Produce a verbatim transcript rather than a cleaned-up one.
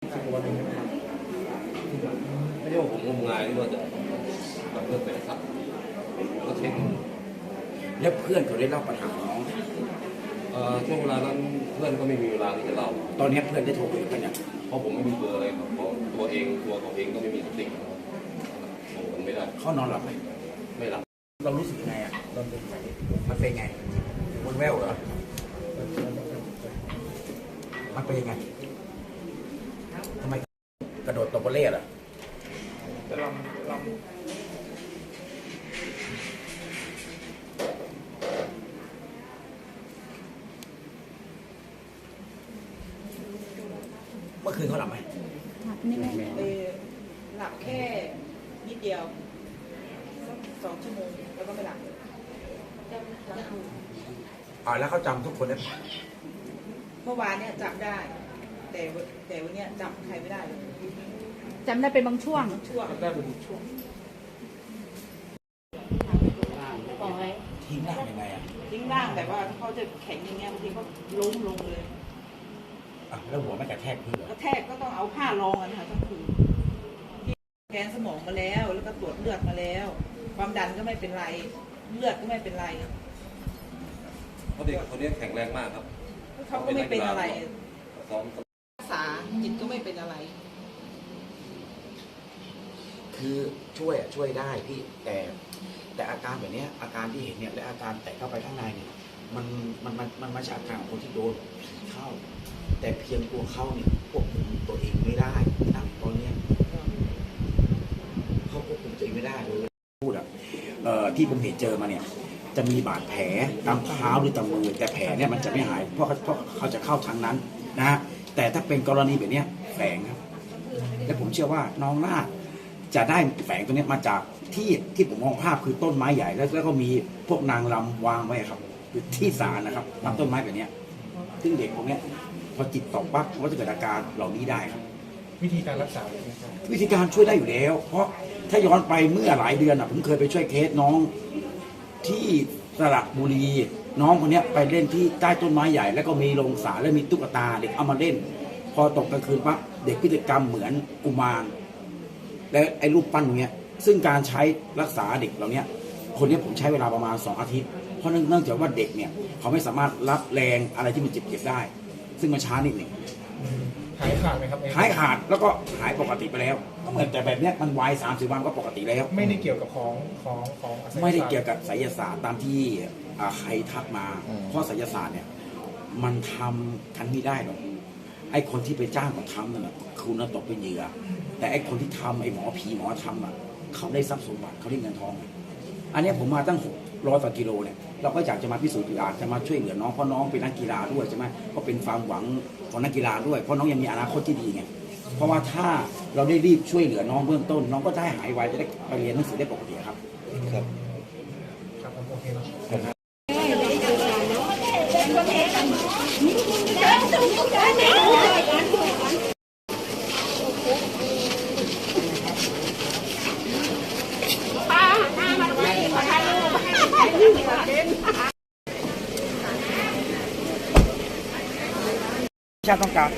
สิบกว่าวันเองใช่ไหมครับไม่ใช่ว่าผมงมงายที่ว่าจะทำเรื่องเป็นสัตว์ก็เช็คแล้วเพื่อนเขาได้เล่าปัญหาของน้องช่วงเวลานั้นเพื่อนก็ไม่มีเวลาที่จะเล่าตอนนี้เพื่อนได้โทรคุยกันยังเพราะผมไม่มีเบอร์อะไรครับเพราะตัวเองตัวเขาเองก็ไม่มีสติโอ้มันไม่ได้เขานอนหลับไหมไม่หลับเรารู้สึกยังไงอ่ะตอนเป็นไงมันเป็นไงวนแววเหรอมันเป็นยังไงทำไมกระโดดตกกระเล่อ่ะลำลำเมื่อคืนเขาหลับไหมเออหลับแค่นิดเดียวสักสองชั่วโมงแล้วก็ไม่หลับอ่าแล้วเขาจำทุกคนได้เมื่อวานเนี่ยจำได้แต่แต่วันนี้จำใครไม่ได้เลยจำได้เป็นบางช่วงช่วงได้เป็นช่วงทิ้งร่างยังไงอ่ะทิ้งร่างแต่ว่าเขาจะแข็งอย่างเงี้ยบางทีเขาล้มลงเลยอ่ะแล้วหัวไม่กระแทกพื้นเหรอกระแทกก็ต้องเอาผ้ารองกันค่ะทั้งคืนแกนสมองมาแล้วแล้วก็ตรวจเลือดมาแล้วความดันก็ไม่เป็นไรเลือดก็ไม่เป็นไรเพราะเด็กคนนี้แข็งแรงมากครับเขาก็ไม่เป็นอะไรซ้อมรักษาจิตก็ไม่เป็นอะไรคือช่วยอ่ะช่วยได้พี่แต่แต่อาการแบบนี้อาการที่เห็นเนี่ยและอาการแตกเข้าไปข้างในเนี่ยมันมันมันมันมาจากอาการของคนที่โดนผีเข้าแต่เพียงตัวเขาเนี่ยควบคุมตัวเองไม่ได้นะตอนนี้เขาควบคุมตัวเองไม่ได้เลยพูดอ่ะเอ่อที่ผมเห็นเจอมาเนี่ยจะมีบาดแผลตามเท้าหรือตามมือแต่แผลเนี่ยมันจะไม่หายเพราะเขาเพราะเขาจะเข้าทางนั้นนะฮะแต่ถ้าเป็นกรณีแบบนี้แฝงครับและผมเชื่อว่าน้องน่าจะได้แฝงตัวนี้มาจากที่ที่ผมมองภาพคือต้นไม้ใหญ่แล้วแล้วก็มีพวกนางรำวางไว้ครับคือที่ศาลนะครับตามต้นไม้แบบนี้ซึ่งเด็กพวกนี้พอจิตตกปั๊บก็จะเกิดอาการเหล่านี้ได้ครับวิธีการรักษาวิธีการช่วยได้อยู่แล้วเพราะถ้าย้อนไปเมื่อหลายเดือนอ่ะผมเคยไปช่วยเคสน้องที่สระบุรีน้องคนนี้ไปเล่นที่ใต้ต้นไม้ใหญ่แล้วก็มีโรงสาและมีตุ๊กตาเด็กเอามาเล่นพอตกกลางคืนปั๊บเด็กพฤติกรรมเหมือนกุมารและไอ้รูปปั้นตรงนี้ซึ่งการใช้รักษาเด็กเหล่านี้คนนี้ผมใช้เวลาประมาณสองอาทิตย์เพราะเนื่องจากว่าเด็กเนี่ยเขาไม่สามารถรับแรงอะไรที่มันเจ็บๆได้ซึ่งมันช้านิดหนึ่งหายขาดไหมครับหายขาดแล้วก็หายปกติไปแล้วก็เหมือนแต่แบบนี้มันไวสามสิบวันก็ปกติแล้วไม่ได้เกี่ยวกับของของของไม่ได้เกี่ยวกับไสยศาสตร์ตามที่ใครทักมาเพราะไสยศาสตร์เนี่ยมันทำกันไม่ได้หรอกไอ้คนที่ไปจ้างเขาทำนั่นแหละคุณน่ะตกเป็นเหยื่อแต่ไอ้คนที่ทำไอ้หมอผีหมอทำอ่ะเขาได้ทรัพย์สมบัติเขาได้เงินทองอันนี้ผมมาตั้งหกร้อยกว่ากิโลเนี่ยเราก็อยากจะมาพิสูจน์อยากจะมาช่วยเหลือน้องเพราะน้องเป็นนักกีฬาด้วยใช่ไหมก็เป็นความหวังของนักกีฬาด้วยเพราะน้องยังมีอนาคตที่ดีไงเพราะว่าถ้าเราได้รีบช่วยเหลือน้องเบื้องต้นน้องก็ได้หายไวจะได้ไปเรียนหนังสือได้ปกติครับครับครับโอเคครับชาติต้องการ